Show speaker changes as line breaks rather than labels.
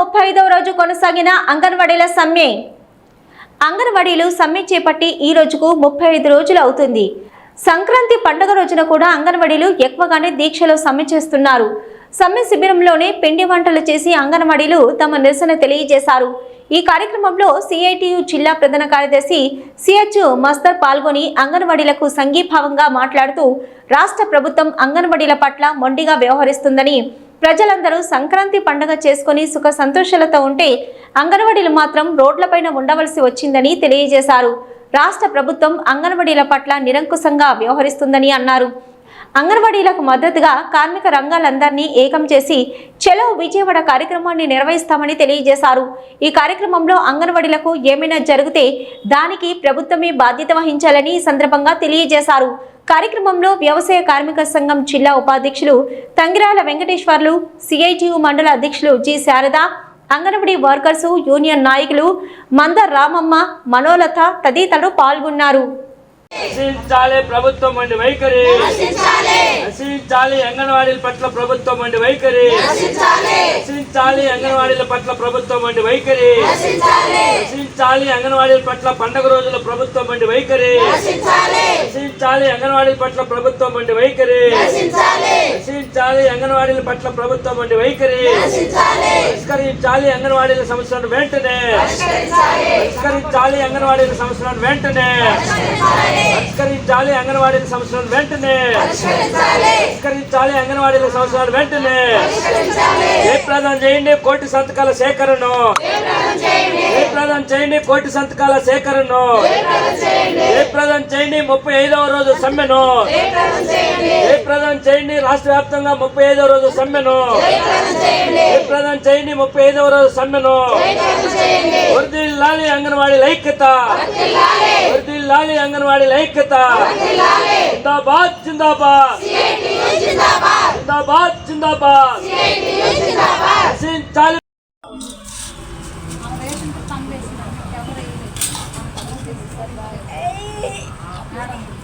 35వ రోజు కొనసాగిన అంగన్వాడీల సమ్మె. అంగన్వాడీలు సమ్మె చేపట్టి ఈ రోజుకు 35 రోజులు అవుతుంది. సంక్రాంతి పండుగ రోజున కూడా అంగన్వాడీలు ఎక్కువగానే దీక్షలో సమ్మె చేస్తున్నారు. సమ్మె శిబిరంలోనే పిండి వంటలు చేసి అంగన్వాడీలు తమ నిరసన తెలియజేశారు. ఈ కార్యక్రమంలో సిఐటియు జిల్లా ప్రధాన కార్యదర్శి సిహెచ్ మస్తర్ పాల్గొని అంగన్వాడీలకు సంఘీభావంగా మాట్లాడుతూ రాష్ట్ర ప్రభుత్వం అంగన్వాడీల పట్ల మొండిగా వ్యవహరిస్తుందని, ప్రజలందరూ సంక్రాంతి పండుగ చేసుకుని సుఖ సంతోషాలతో ఉంటే అంగన్వాడీలు మాత్రం రోడ్లపైన ఉండవలసి వచ్చిందని తెలియజేశారు. రాష్ట్ర ప్రభుత్వం అంగన్వాడీల పట్ల నిరంకుశంగా వ్యవహరిస్తుందని అన్నారు. అంగన్వాడీలకు మద్దతుగా కార్మిక రంగాలందరినీ ఏకం చేసి చలో విజయవాడ కార్యక్రమాన్ని నిర్వహిస్తామని తెలియజేశారు. ఈ కార్యక్రమంలో అంగన్వాడీలకు ఏమైనా జరిగితే దానికి ప్రభుత్వమే బాధ్యత వహించాలని ఈ సందర్భంగా తెలియజేశారు. కార్యక్రమంలో వ్యవసాయ కార్మిక సంఘం జిల్లా ఉపాధ్యక్షులు తంగిరాల వెంకటేశ్వర్లు, సిఐటియు మండల అధ్యక్షులు G Sharada, anganwadi workers union నాయకులు మందర్ రామమ్మ, మనోలత తదితరులు పాల్గొన్నారు.
నశించాలి ప్రభుత్వం వంటి వైఖరి, నశించాలి అంగన్వాడీల పట్ల ప్రభుత్వం వంటి వైఖరి, నశించాలి అంగన్వాడీల పట్ల ప్రభుత్వం వంటి వైఖరి, నశించాలి అంగన్వాడీల పట్ల పండుగ రోజుల ప్రభుత్వం వంటి వైఖరి, నశించాలి అంగన్వాడీల పట్ల ప్రభుత్వం వంటి వైఖరి, నశించాలి అంగన్వాడీల పట్ల ప్రభుత్వం వంటి వైఖరి, పరిష్కరించాలి అంగన్వాడీల సమస్యలను వెంటనే, పరిష్కరించాలి అంగన్వాడీల సమస్యలను వెంటనే, పరిష్కరించాలి అంగన్వాడీల సమస్యలను వెంటనే, పరిష్కరించాలి అంగన్వాడీల సమస్యలను వెంటనే. జయప్రదం చేయండి కోటి సంతకాల సేకరణను, జయప్రదం చేయండి కోటి సంతకాల సేకరణను, జయప్రదం చేయండి 35వ రోజు సమ్మెను, జయప్రదం చేయండి రాష్ట్ర వ్యాప్తంగా 35వ రోజు సమ్మెను, జయప్రదం చేయండి 35వ రోజు సమ్మెను. వర్ధిల్లాలి అంగన్వాడీల ఐక్యత, వర్ధిల్లాలి అంగన్వాడీల ఐక్యత. జిందాబాద్ జిందాబాద్ జిందాబాద్ జిందాబాద్. నశించాలి
మేడం